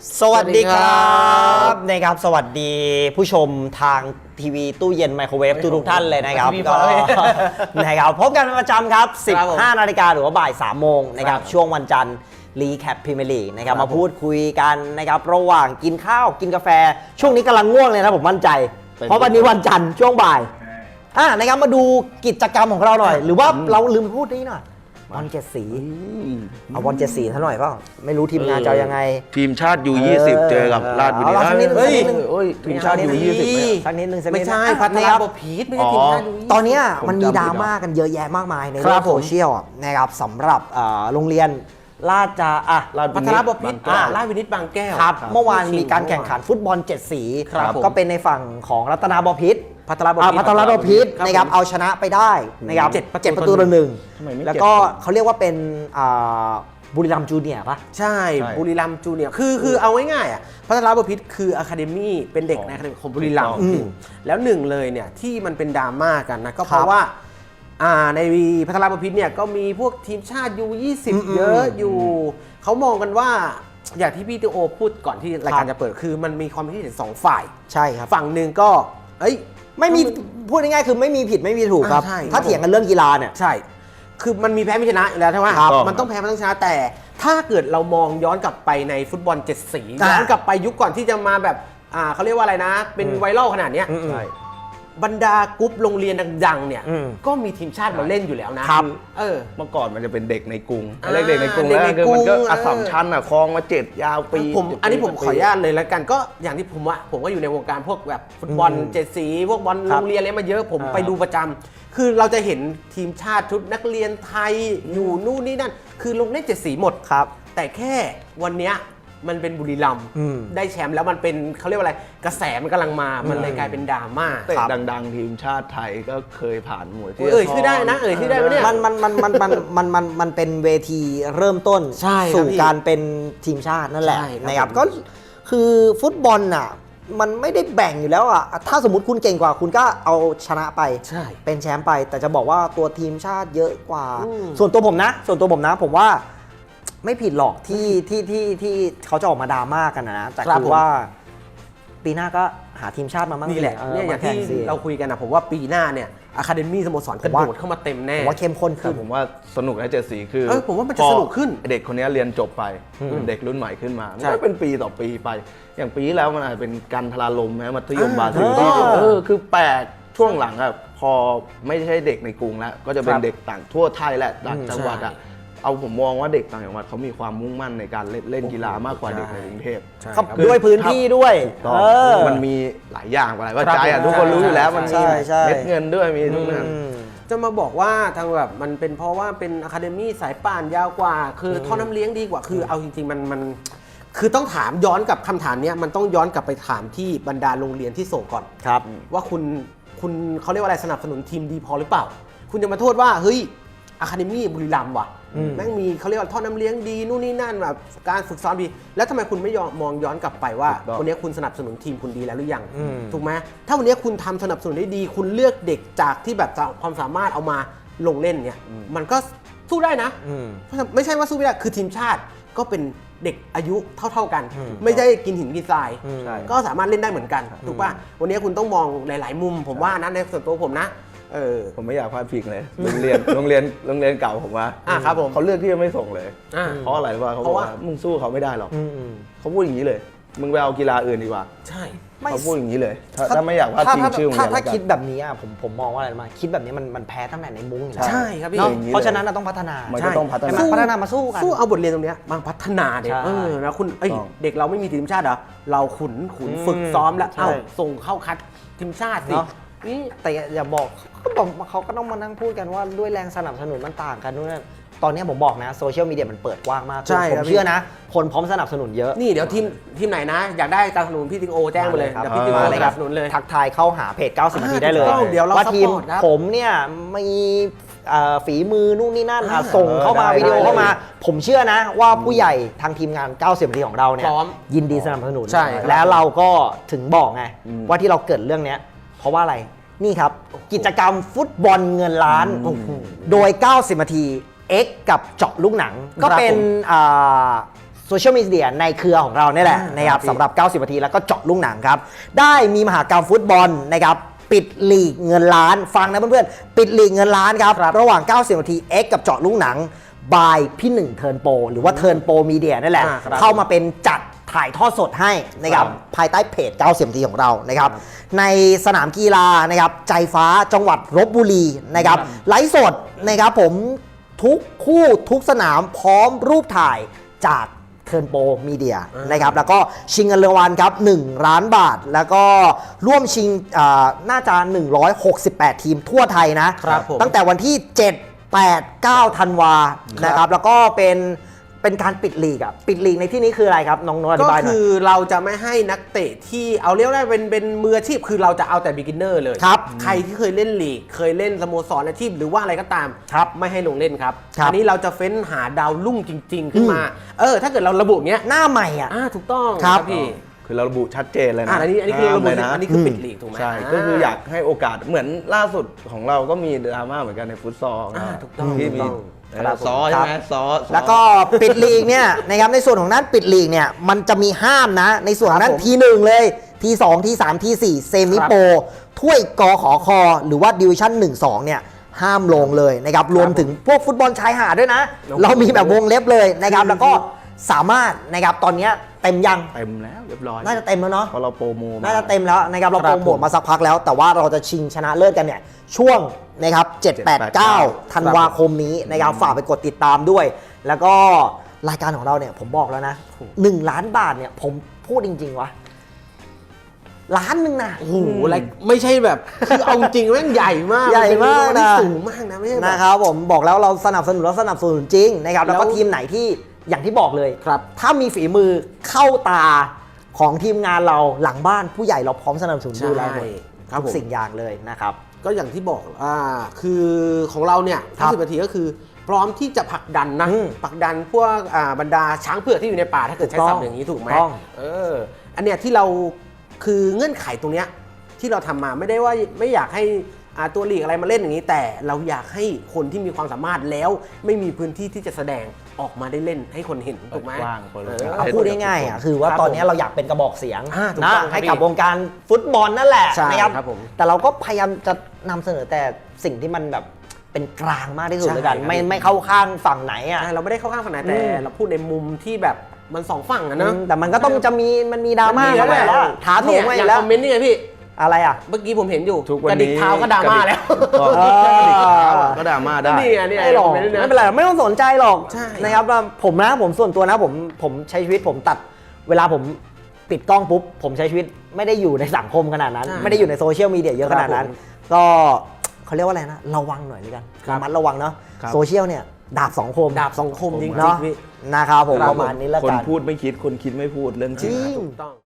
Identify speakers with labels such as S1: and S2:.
S1: สวัสดีครับนะครับสวัสดีผู้ชมทางทีวีตู้เย็นไมโครเวฟทุกท่านเลยนะครับก็นะครับพบกันเป็นประจำครับ 15 นาฬิกาหรือว่าบ่าย 3 โมงนะครับช่วงวันจันทร์รีแคปพรีเมียร์ลีกนะครับมาพูดคุยกันนะครับระหว่างกินข้าวกินกาแฟช่วงนี้กำลังง่วงเลยนะผมมั่นใจเพราะวันนี้วันจันทร์ช่วงบ่ายนะครับมาดูกิจกรรมของเราหน่อยหรือว่าเราลืมพูดนี่หน่อยบอล7 สีเอาบอล7 สีเท่าหน่อยก็ไม่รู้ทีมงานจะยังไง
S2: ทีมชาติU20เจอกับราชบุรี ทีมชาติU20
S1: สักนิดนึง
S3: ไม่ใช่พัฒนาบพีทไม่ใช่ทีมชาติ
S1: ตอนนี้มันมีดราม่ากันเยอะแยะมากมายในโลกโซเชียลนะครับสำหรับโรงเรียนราช
S3: พัฒนาบพิตรราชวินิตบางแก้ว
S1: ครับเมื่อวานมีการแข่งขันฟุตบอล7 สีก็เป็นในฝั่งของรัตนาบพิตรพัฒนาบพิตรนะครับเอาชนะไปได้นะครับ7 ประตูต่อ 1แล้วก็เขาเรียกว่าเป็นบุรีรัมย์จูเนียร์ป่ะ
S3: ใช่บุรีรัมย์จูเนียร์คือเอาง่ายๆพัฒนาบพิตรคืออะคาเดมี่เป็นเด็กในอะคาเดมี่ของบุรีรัมย์แล้วหนึ่งเลยเนี่ยที่มันเป็นดราม่ากันนะก็เพราะว่าในพัฒนาบพิตรเนี่ยก็มีพวกทีมชาติU20เยอะอยู่เขามองกันว่าอย่างที่พี่ติโอพูดก่อนที่รายการจะเปิดคือมันมีความคิดเห็น2 ฝ่าย
S1: ใช่ครับ
S3: ฝั่งหนึ่งก็
S1: ไม่มีพูดง่ายๆคือไม่มีผิดไม่มีถูกครับถ้าเถียงกันเรื่องกีฬาเนี่ย
S3: ใช่คือมันมีแพ้ไม่ชนะอยู่แล้วใช่ไหมมันต้องแพ้มันต้องชนะแต่ถ้าเกิดเรามองย้อนกลับไปในฟุตบอล7 สีย้อนกลับไปยุคก่อนที่จะมาแบบเขาเรียกว่าอะไรนะเป็นไวรัลขนาดนี้บรรดากรุ๊ปโรงเรียนดังๆเนี่ยก็มีทีมชาติมาเล่นอยู่แล้วนะครับ
S2: เมื่อก่อนมันจะเป็นเด็กในกรุงเด็กในกรุงแล้วคือมันก็อัสสัมชัญคลองมา7 ยาวปี
S3: อันนี้ผมขออนุญาตเลยแล้วกันก็อย่างที่ผมก็อยู่ในวงการพวกแบบฟุตบอล7 สีพวกบอลโรงเรียนอะไรมาเยอะผมไปดูประจำคือเราจะเห็นทีมชาติชุดนักเรียนไทยอยู่นู่นนี่นั่นคือลงเล่น7 สีหมด
S1: ครับ
S3: แต่แค่วันเนี้ยมันเป็นบุรีรัมย์ได้แชมป์แล้วมันเป็นเขาเรียกว่าอะไรกระแสมันกำลังมามันเลยกลายเป็นดราม่า
S2: แต่ดังๆทีมชาติไทยก็เคยผ่านหมวดที่
S3: ชื่อได้นะชื่อได้ไหมเนี่ย
S1: มันเป็นเวทีเริ่มต้นสู่การเป็นทีมชาตินั่นแหละนะครับก็คือฟุตบอลน่ะมันไม่ได้แบ่งอยู่แล้วอ่ะถ้าสมมติคุณเก่งกว่าคุณก็เอาชนะไปเป็นแชมป์ไปแต่จะบอกว่าตัวทีมชาติเยอะกว่าส่วนตัวผมนะผมว่าไม่ผิดหรอกที่เขาจะออกมาดราม่ากันนะแต่คือว่าปีหน้าก็หาทีมชาติมาบ้าง
S3: นี่แหละเนี่ยอย่างที่เราคุยกันนะผมว่าปีหน้าเนี่ยอะคาเดมี่สโมสรกระโดดเข้ามาเต็มแน่
S1: ผมว่าเข้มข้นขึ้น
S2: ผมว่าสนุกนะ7 สีคือ
S3: ผมว่ามันจะสนุกขึ้น
S2: เด็กคนนี้เรียนจบไปเด็กรุ่นใหม่ขึ้นมามันก็เป็นปีต่อปีไปอย่างปีที่แล้วมันอาจจะเป็นการทลาลมนะมัธยมบาซิลที่คือแปลกช่วงหลังอะพอไม่ใช่เด็กในกรุงแล้วก็จะเป็นเด็กต่างทั่วไทยแหละต่างจังหวัดอะเอาผมมองว่าเด็กต่างจังหวัดเขามีความมุ่งมั่นในการเล่นกีฬามากกว่าเด็กในกรุงเทพ
S1: ด้วยพื้นที่ด้วย
S2: มันมีหลายอย่างอะไรว่าใจทุกคนรู้อยู่แล้วมันมีเม็ดเงินด้วยมีทุกอย่าง
S3: จะมาบอกว่าทางแบบมันเป็นเพราะว่าเป็นอะคาเดมี่สายป่านยาวกว่าคือท่อน้ำเลี้ยงดีกว่าคือเอาจริงๆมันคือต้องถามย้อนกับคำถามนี้มันต้องย้อนกลับไปถามที่บรรดาโรงเรียนที่ส่งก่อน
S1: ครับ
S3: ว่าคุณเขาเรียกว่าอะไรสนับสนุนทีมดีพอหรือเปล่าคุณจะมาโทษว่าเฮ้ยอะคาเดมี่บุรีรัมย์ว่ะแม่งมีเขาเรียกว่าท่อน้ำเลี้ยงดีนู่นนี่นั่นแบบการฝึกซ้อมดีแล้วทำไมคุณไม่มองย้อนกลับไปว่าวันนี้คุณสนับสนุนทีมคุณดีแล้วหรือยังถูกไหมถ้าวันนี้คุณทำสนับสนุนได้ดีคุณเลือกเด็กจากที่แบบความสามารถเอามาลงเล่นเนี่ยมันก็สู้ได้นะไม่ใช่ว่าสู้ไม่ได้คือทีมชาติก็เป็นเด็กอายุเท่ากันไม่ใช่กินหินกินทรายก็สามารถเล่นได้เหมือนกันถูกป่ะวันนี้คุณต้องมองหลายๆมุมผมว่านะในส่วนตัวผมนะ
S2: ผมไม่อยากพลาดพิงเลยโรงเรียนเก่าผมว่า
S3: ครับผม
S2: เขาเลือกที่จะไม่ส่งเลยเพราะอะไรวะเขาบอกว่ามึงสู้เขาไม่ได้หรอกเขาพูดอย่างนี้เลยมึงไปเอากีฬาอื่นดีกว่า
S3: ใช่
S2: เขาพูดอย่างนี้เลยถ้าไม่อยากพลาดพิงชื่อ
S1: ถ้าคิดแบบนี้ผมมองว่าอะไรมาคิดแบบนี้มันแพ้ตั้งแต่ในมุ้งอยู่แล้ว
S3: ใช่ครับพี่
S1: เพราะฉะนั้นเราต้องพัฒนา
S2: มันก็ต้องพัฒ
S1: นามาสู้กัน
S3: สู้เอาบทเรียนตรงนี้มาพัฒนาเด็กนะคุณเด็กเราไม่มีทีมชาติเหรอเราขุนฝึกซ้อมแล้วส่งเข้าคัดทีมชาติสิ
S1: นี่แต่อย่าบอกเขาก็ต้องมานั่งพูดกันว่าด้วยแรงสนับสนุนมันต่างกันนู่นนั่นตอนนี้ผมบอกนะโซเชียลมีเดียมันเปิดกว้างมากผมเชื่อนะคนพร้อมสนับสนุนเยอะ
S3: นี่เดี๋ยวทีมไหนนะอยากได้การสนับสนุนพี่ติโอแจ้งมาเลยเดี๋ยวพี่ติโอสนับสนุนเลย
S1: ทักทายเข้าหาเพจ90 นาทีได้เลยว่าทีมผมเนี่ยมีฝีมือนู่นนี่นั่นส่งเข้ามาวิดีโอเข้ามาผมเชื่อนะว่าผู้ใหญ่ทางทีมงาน90 นาทีของเราเนี่ยยินดีสนับสนุนแล้วเราก็ถึงบอกไงว่าที่เราเกิดเรื่องนี้เพราะว่าอะไรนี่ครับกิจกรรมฟุตบอลเงินล้านโดย90 นาที X กับเจาะลูกหนังก็เป็นโซโซเชียลมีเดียในเครือของเราเนี่ยแหละนะครับสำหรับ 90 นาทีแล้วก็เจาะลูกหนังครับ ได้มีมหากรรมฟุตบอลนะครับปิดลีกเงินล้านฟังนะเพื่อนๆปิดลีกเงินล้านครับระหว่าง 90 นาที X กับเจาะลูกหนังบายพี่หนึ่งเทิร์นโปรหรือว่าเทิร์นโปรมีเดียนั่นแหละเข้ามาเป็นจัดถ่ายทอดสดให้นะครับภายใต้เพจ 90 นาทีของเรานะครับในสนามกีฬานะครับใจฟ้าจังหวัดลพบุรีนะครับไลฟ์สดนะครับผมทุกคู่ทุกสนามพร้อมรูปถ่ายจากเทิร์นโปรมีเดียนะครับแล้วก็ชิงเงินรางวัลครับ1 ล้านบาท แล้วก็ร่วมชิงน่าจะ 168 ทีมทั่วไทยนะครับตั้งแต่วันที่ 7 8 9 ธันวานะครับแล้วก็เป็นการปิดลีกอ่ะปิดลีกในที่นี้คืออะไรครับน้องนนท์อธิ
S3: ก็
S1: บายหน่อย
S3: คือเราจะไม่ให้นักเตะที่เอาเรียกได้เป็นมืออาชีพคือเราจะเอาแต่ beginner เลย
S1: ครับ
S3: ใครที่เคยเล่นลีกเคยเล่นสโมสรอาชีพหรือว่าอะไรก็ตาม
S1: ครับ
S3: ไม่ให้ลงเล่นครับ
S1: ครับ
S3: อันนี้เราจะเฟ้นหาดาวรุ่งจริง ๆ ขึ้นมาถ้าเกิดเราระบุเนี้ย
S1: หน้าใหม่อ่ะ
S3: ถูกต้อง
S1: ครับ
S3: พี่
S2: คือเราระบุชัดเจนเลยนะ
S3: อันนี้คือระบุ
S2: เลยนะ
S3: อันนี้คือปิดลีกถูกไหม
S2: ใช่ก็คืออยากให้โอกาสเหมือนล่าสุดของเราก็มีดราม่าเหมือนกันในฟุตซอลนะ
S3: ถูกต้อง
S2: ที่
S3: ถูก
S2: มี
S3: ต้อง
S2: ซอใช่ไหมซอ
S1: แล้วก็ปิดลีกเนี่ยนะครับในส่วนของนั้นปิดลีกเนี่ยมันจะมีห้ามนะในส่วนของนั้น
S3: ครับผม
S1: ทีหนึ่งเลยทีสองทีสามทีสี่เซมิโปรถ้วยกขอคอหรือว่าดิวิชั่น1-2เนี่ยห้ามลงเลยนะครับรวมถึงพวกฟุตบอลชายหาดด้วยนะ เรามีแบบวงเล็บเลยนะครับแล้วก็สามารถนะครับตอนเนี้ยเต็มยัง
S2: เต็มแล้วเรียบร้อย
S1: น่าจะเต็มแล้วเนาะ
S2: เพราะเราโปรโม
S1: น่าจะเต็มแล้วนะครับเราโปรโมทมาสักพักแล้ว แต่ว่าเราจะชิงชนะเลิศกันเนี่ยช่วงนะครับ7 8 9 ธันวาคมนี้นะครับฝากไปกดติดตามด้วย แล้วก็รายการของเราเนี่ยผมบอกแล้วนะ1 ล้านบาทเนี่ยผมพูดจริงๆวะล้านหนึ่งนะ
S3: โอ้โหอะไรไม่ใช่แบบคือเอาจริงแม่งใหญ่มาก
S1: ใหญ่มาก
S3: มัน
S1: นะ
S3: สูงมากนะไม่ใช่แบบ
S1: นะครับผมบอกแล้วเราสนับสนุนแล้วสนับสนุนจริงนะครับแล้วก็
S3: แล้ว
S1: ทีมไหนที่อย่างที่บอกเลย
S3: ครับ
S1: ถ้ามีฝีมือเข้าตาของทีมงานเราหลังบ้านผู้ใหญ่เราพร้อมสนับสนุนดูแลหมด
S3: ครับ
S1: ทุ
S3: ผ
S1: ก
S3: ม
S1: สิ่งอย่างเลยนะครับ
S3: ก็อย่างที่บอกคือของเราเนี่ย
S1: ครับ
S3: 50 นาทีก็คือ พร้อมที่จะผลักดันนะ ผลักดันพวกบรรดาช้างเผือกที่อยู่ในป่าถ้าเกิดใช้ศัพท์อย่างนี้ถูกไหม
S1: ต้อง
S3: อันเนี้ยที่เราคือเงื่อนไขตรงเนี้ยที่เราทำมาไม่ได้ว่าไม่อยากให้ตัวลีกอะไรมาเล่นอย่างนี้ แต่เราอยากให้คนที่มีความสามารถแล้วไม่มีพื้นที่ที่จะแสดงออกมาได้เล่นให้คนเห็นถูกไหม
S2: กว้างคนละ
S1: เอาพูดง่ายๆอ่ะคือว่า
S3: ครับ
S1: ตอนนี้เราอยากเป็นกระบอกเสียง
S3: ถูก
S1: นะ
S3: ต้องครับ
S1: ให้กับ
S3: พี่
S1: วงการฟุตบอลนั่นแหละ
S3: ใช่
S1: นะครับ
S3: ครับผม
S1: แต่เราก็พยายามจะนำเสนอแต่สิ่งที่มันแบบเป็นกลางมากที่สุด
S3: ใช่
S1: เลยกัน
S3: ครับ
S1: ไม่เข้าข้างฝั่งไหนอ่ะ
S3: เราไม่ได้เข้าข้างฝั่งไหนแต่เราพูดในมุมที่แบบมันสองฝั่งอะเนอะ
S1: แต่มันก็ต้องมันมีดราม่าเข้าไปแล้วท้าโถม
S3: เนี่ย
S1: ไป
S3: อย่าง
S1: แล้ว
S3: คอมเมนต์นี่ไงพี่
S1: อะไรอ่ะ
S3: เมื่อกี้ผมเห็นอยู่
S2: ทุกวัน
S3: กระดิก
S2: นี้
S3: เท้าก็ดราม่าแล้ว
S2: กระดิกเท้าก็ดราม่าได้
S3: นี่ไงนี่ไง
S1: ไม่หรอก
S3: คอมเมนต์ด้วยนะ
S1: ไม่เป็นไรไม่ต้องสนใจหรอก
S3: ใช่
S1: นะครับว่าผมส่วนตัวนะผมใช้ชีวิตผมตัดเวลาผมปิดกล้องปุ๊บผมใช้ชีวิตไม่ได้อยู่ในสังคมขนาดนั้น ไม่ได้อยู่ในโซเชียลมีเดียเยอะขนาดนั้น ก็เขาเรียกว่าอะไรนะระวังหน่อยเลยกันระมัดระวังเนาะ
S2: ครับ
S1: โซเชียลเนี่ยดาบสองคม
S3: ดาบสองคมจริงๆ
S1: เนาะ
S3: พี่
S1: นะครับผม
S3: ครับ
S1: ประมาณนี้แล้ว
S2: คน
S1: กัน
S2: พูดไม่คิดคนคิดไม่พูดเรื่องจริง
S1: จริง
S3: ถูกต้อง